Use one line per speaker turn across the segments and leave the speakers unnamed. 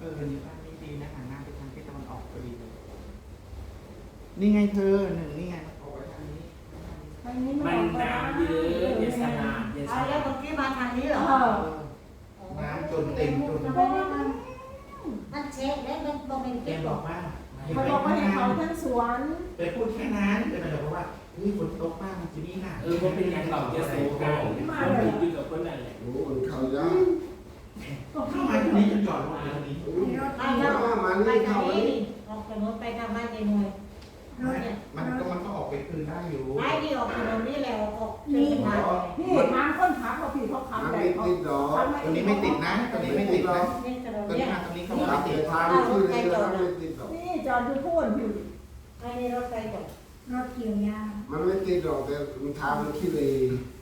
นี่บ้านนี้ดีนะหันหน้าไปทางทิศตะวันออกพอดีเลยนี่ไงเธอหนึ่งนี่ไงออกไปทางนี้
มันน้ำเยอะเยสนาเยส
เอาแล้ว
นา
เมื่อกี้มาทางนี้เหรอ
น้ำจนเต็มจน
มันเช็คแล้วมันบอกเป็น
แก
เก็บ
บอกว่า
เขาบอกว่าให้เขาทั้งสวน
ไปพูดแค่นั้นแต่มันบอกว่าอุ้ยฝนตกมากมันจะนี่หนัก
ผมเป็นอย่างเราเยสโซกันผมอยู่กับคนนั่นแหละ
โอ้มันเข้ายาก
เข้ามาตรงนี้จะจอดรถตรงนี้
ไปแล้วไปทางนี้ออกถนนไปทางบ้านยายหน่วย
มันก็ออกไปคืนได้อยู่
ไปดีออกถนนนี่แหละออกนี่ทาง
นี่ทางคนขับเขาผิดเขาขับ
มัน
แต่
ไม่
เขา
ติดดอก
ตรงนี้ไม่ติดนะตรงนี้ไม่ติดนะ
นี่ถนน
ตรง
เนี่
นี้
ย
มาตรงนี้เขา
ขั
ไม่
บ
ติ
ไป
ด
ทางที่เลยแล้วไม่ติดดอก
นี่จอดอยู่พูนผิว
ไอ้นี่รถไฟจอด
รถเกี่ยวยา
มันไม่ติดดอกแต่มันทางมันขี้เลย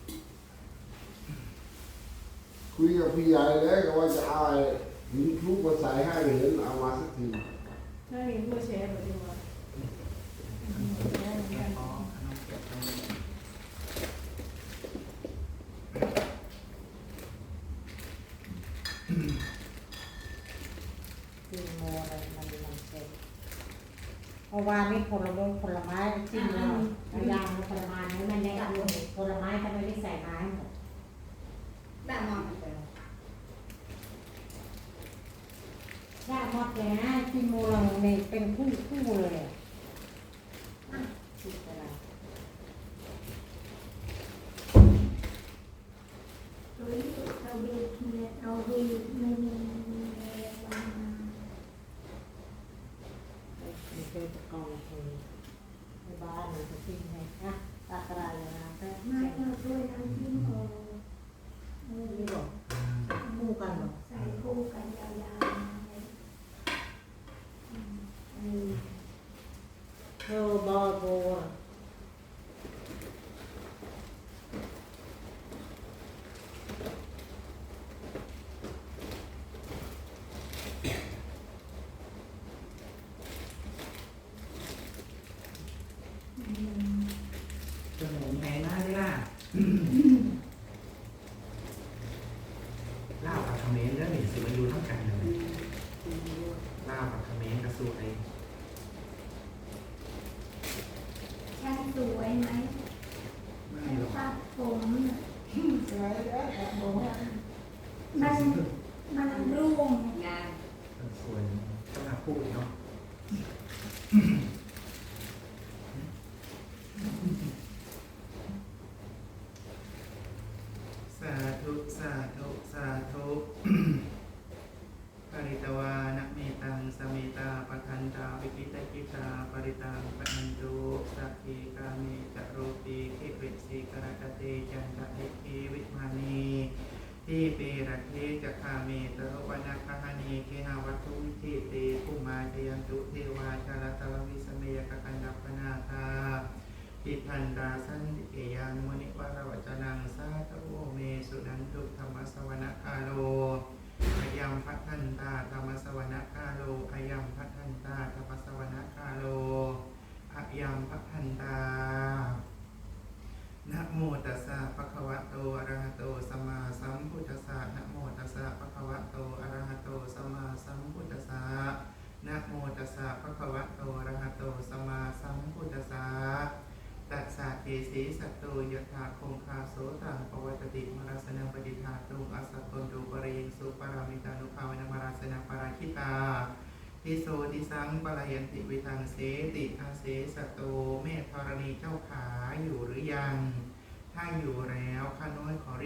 คุยกับพี่ใหญ่แล้วก็ว่าจะเอาหินคลุกมาใส่ให้เห็นเอามาสักที
ถ้าเห็นผู้แชร์แบบนี้ว่า
กินโมอะไรมันเช็คเพราะว่านี่ผลไม้จิ้มแล้วยางผลไม้นี่มันยังผลไม้ทำไมไม่ใส่ไม้หมด
แบบมอง
ยากมากเลยนะกินโมเราเนี่ยเป็นคู่เลยคิดอะไร
เราดูเราดูไม่มีวัน
มีเจอตะกอนคือในบ้านเราจะทิ้งไงนะตากระไรนะแต่
ไม่เราด้วยทั้งที่โอ
นี่บอกคู่กันหรอ
ใส่คู่กันยาวๆ
เธอบอโบ
จะหมุนแหงหน้าได้ล่ะล่ากับคอมเมนต์เรื่องหนึ่งสิมาอยู่เท่ากันเลยล่ากับคอมเมนต์กระสูดเลย
ช่างสวยไหม
ไม่หรอก
ตัดผม
สวยแล้วแต่บอกว่า
มันร่วง
ส่วนต้องหาพูดเนาะสาธุสาธุสาธุปริตวานะเมตังสเมตาปทันตาวิกิตกิตาปริตังปนันตุสักขีกามิจโรติเขวิสีกรกเตจันทะเทคีวิมานีที่เปรเทจะคาเมตโรวนาคหานีเคหาวัตถุวิเทเตภูมาเทยันตุเทวาชาลตววิสเมยกกันดัปปนาคาทิทันตาสันติเกยังมุนิวารวจนังสาธุเมสุนันตุธรรมสวนคาโลอายัมพัทันตาธรรมสวนคาโลอายัมพัทันตาธรรมสวนคาโลอายัมพัทันตานะโมตัสสะภะคะวะโตอะระหะโตสัมมาสัมพุทธัสสะนะโมตัสสะภะคะวะโตอะระหะโตสัมมาสัมพุทธัสสะนะโมตัสสะภะคะวะโตอะระหะโตสัมมาสัมพุทธัสสะตัสสะเกสีสัตโตยถาคงคาโสตังปวัตติมรัสนังปฏิทาตุงอัสสะตนตุปริยิงสุปารามิตานุภาวนมรัสนังปราคิตาทิโสทิสังปะลายันติวิทังเสติอาเสสโตเมธธรณีเจ้าขาอยู่หรือยังถ้าอยู่แล้วข้าน้อยขอรี